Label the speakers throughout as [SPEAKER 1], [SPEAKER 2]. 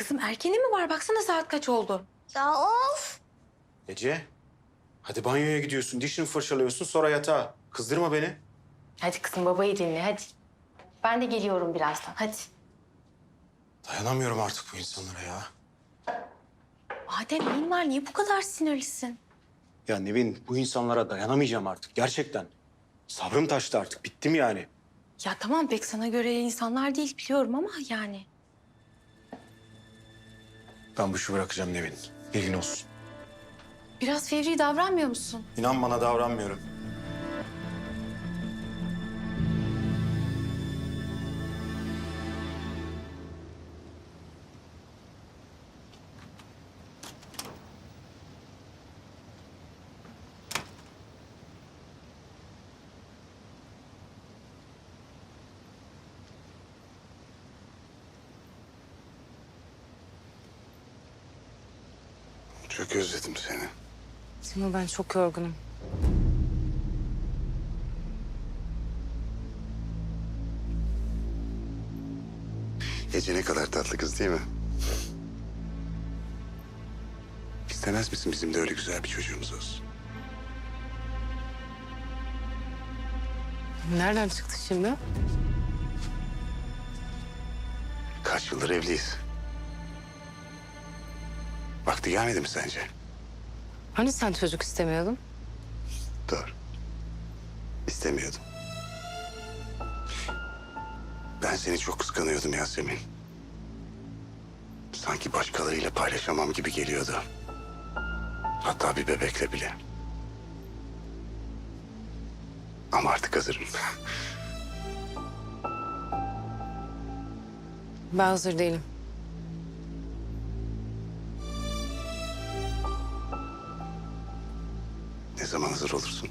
[SPEAKER 1] Kızım erkeni mi var? Baksana saat kaç oldu?
[SPEAKER 2] Ya of.
[SPEAKER 3] Ece, hadi banyoya gidiyorsun, dişini fırçalıyorsun, sonra yatağa. Kızdırma beni.
[SPEAKER 1] Hadi kızım babayı dinle hadi. Ben de geliyorum birazdan hadi.
[SPEAKER 3] Dayanamıyorum artık bu insanlara ya.
[SPEAKER 1] Adem neyin var? Niye bu kadar sinirlisin?
[SPEAKER 3] Ya Nevin, bu insanlara dayanamayacağım artık gerçekten. Sabrım taştı artık, bittim yani.
[SPEAKER 1] Ya tamam pek sana göre insanlar değil biliyorum ama yani.
[SPEAKER 3] Ben bu işi bırakacağım Nevin, bilgin olsun.
[SPEAKER 1] Biraz fevri davranmıyor musun?
[SPEAKER 3] İnan bana davranmıyorum.
[SPEAKER 4] Çok özledim seni.
[SPEAKER 5] Timo ben çok yorgunum.
[SPEAKER 4] Ece ne kadar tatlı kız değil mi? İstemez misin bizim de öyle güzel bir çocuğumuz olsun?
[SPEAKER 5] Nereden çıktı şimdi?
[SPEAKER 4] Kaç yıldır evliyiz. Vakti gelmedi mi sence?
[SPEAKER 5] Hani sen çocuk istemiyordun?
[SPEAKER 4] Doğru. İstemiyordum. Ben seni çok kıskanıyordum Yasemin. Sanki başkalarıyla paylaşamam gibi geliyordu. Hatta bir bebekle bile. Ama artık hazırım.
[SPEAKER 5] Ben hazır değilim.
[SPEAKER 4] Ne zaman hazır olursun?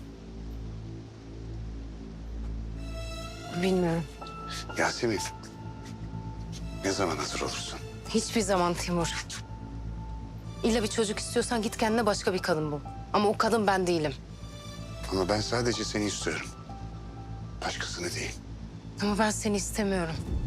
[SPEAKER 5] Bilmiyorum.
[SPEAKER 4] Yasemin. Ne zaman hazır olursun?
[SPEAKER 5] Hiçbir zaman Timur. İlla bir çocuk istiyorsan git kendine başka bir kadın bul. Ama o kadın ben değilim.
[SPEAKER 4] Ama ben sadece seni istiyorum. Başkasını değil.
[SPEAKER 5] Ama ben seni istemiyorum.